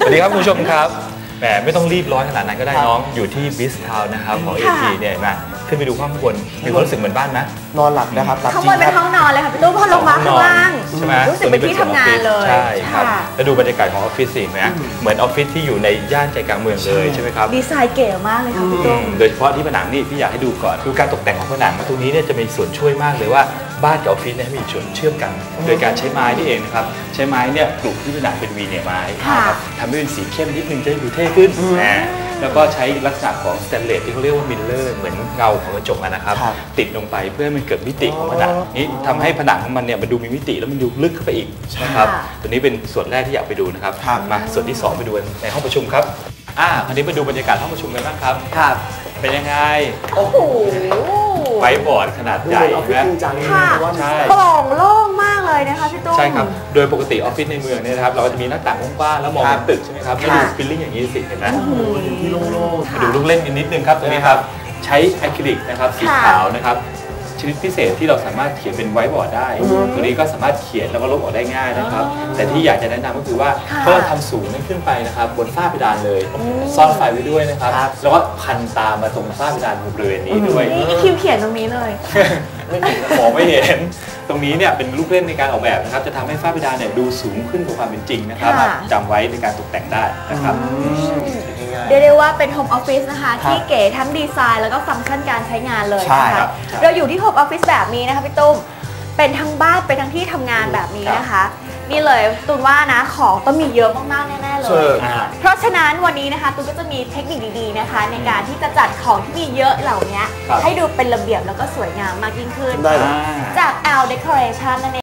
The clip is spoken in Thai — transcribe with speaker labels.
Speaker 1: วัสดีครับคุณผู้ชมครับแหมไม่ต้องรีบร้อนขนาดนั้นก็ได้น้องอยู่ที่บิสทาวน์นะครับของ AT เนี่ยมาขึ้นไปดูข้างบนมีความรู้สึกเหมือนบ้านไหม
Speaker 2: นอนหลับนะครับ
Speaker 3: ข้างบนเป็นห้องนอนเลยค่ะพี่ตู้พอลงมาข้างล่าง
Speaker 1: ใช่ไหม
Speaker 3: รู้สึกเป็นที่ทำงานเลย
Speaker 1: ใช่ครับแล้วดูบรรยากาศของออฟฟิศสินะเหมือนออฟฟิศที่อยู่ในย่านใจกลางเมืองเลยใช่ไหมครับ
Speaker 3: ดีไซน์เก๋มากเลยค่ะพี่ตู้
Speaker 1: โดยเฉพาะที่ผนังนี่พี่อยากให้ดูก่อนดูการตกแต่งของผนังตรงนี้เนี่ยจะมีส่วนช่วยมากเลยว่าบ้านกับออฟฟิศเนี่ยมีส่วนเชื่อมกันโดยการใช้ไม้นี่เองนะครับใช้ไม้เนี่ยปลูกที่ผนังเป็นวีเนียร์ไม้ครับทำให้เป็นสีเข้มนิดนึงจะดูเท่ขึ้นแล้วก็ใช้ลักษณะของสแตนเลสที่เขาเรียกว่ามิลเลอร์เหมือนเงาของกระจกนะครับติดลงไปเพื่อให้มันเกิดมิติของผนังนี้ทำให้ผนังของมันเนี่ยมันดูมีมิติแล้วมันดูลึกเข้าไปอีกนะครับตัวนี้เป็นส่วนแรกที่อยากไปดูนะครับมาส่วนที่2ไปดูในห้องประชุมครับคราวนี้มาดูบรรยากาศห้องประชุมกันบ้างครับเป็นยังไง
Speaker 3: โอ้โห
Speaker 1: ไฟบอร์ดขนาดใหญ่
Speaker 3: ค่ะโปร่งโล่งมากเลยนะคะพี่ตุ้ม
Speaker 1: ใช่ครับโดยปกติออฟฟิศในเมืองเนี่ยนะครับเราก็จะมีหน้าต่างกว้างๆแล้วมองเห็นตึกใช่ไหมครับแล้วดูฟีลลิ่งอย่างนี้สิเห็นไหม
Speaker 2: ที่โล่ง
Speaker 1: ๆดูลูกเล่นนิดนึงครับตรงนี้ครับใช้อะคริลิกนะครับสีขาวนะครับชนิดพิเศษที่เราสามารถเขียนเป็นไวท์บอร์ดได้ตัวนี้ก็สามารถเขียนแล้วก็ลบออกได้ง่ายนะครับแต่ที่อยากจะแนะนำก็คือว่าเพื่อทำสูงขึ้นไปนะครับบนฝ้าเพดานเลยซ่อนไฟไว้ด้วยนะครับแล้วก็พันตามมาตรงฝ้าเพดานบริเวณนี้ด้วย
Speaker 3: นี่คิวเขียนตรงนี้เลย
Speaker 1: มองไม่เห็นตรงนี้เนี่ยเป็นลูกเล่นในการออกแบบนะครับจะทำให้ฝ้าเพดานเนี่ยดูสูงขึ้นกว่าความเป็นจริงนะครับจำไว้ในการตกแต่งได้นะครับ
Speaker 3: เรียกได้ว่าเป็นโฮมออฟฟิศนะคะที่เก๋ทั้งดีไซน์แล้วก็ฟังก์ชันการใช้งานเลยนะคะเราอยู่ที่โฮมออฟฟิศแบบนี้นะคะพี่ตุ้มเป็นทั้งบ้านเป็นทั้งที่ทำงานแบบนี้นะคะนี่เลยตูนว่านะของต้องมีเยอะมากๆแน่ๆเลยเพราะฉะนั้นวันนี้นะคะตูนก็จะมีเทคนิคดีๆนะคะในการที่จะจัดของที่มีเยอะเหล่านี้ให้ดูเป็นระเบียบแล้วก็สวยงามมากยิ่งขึ้นจาก L Decoration นั่นเอง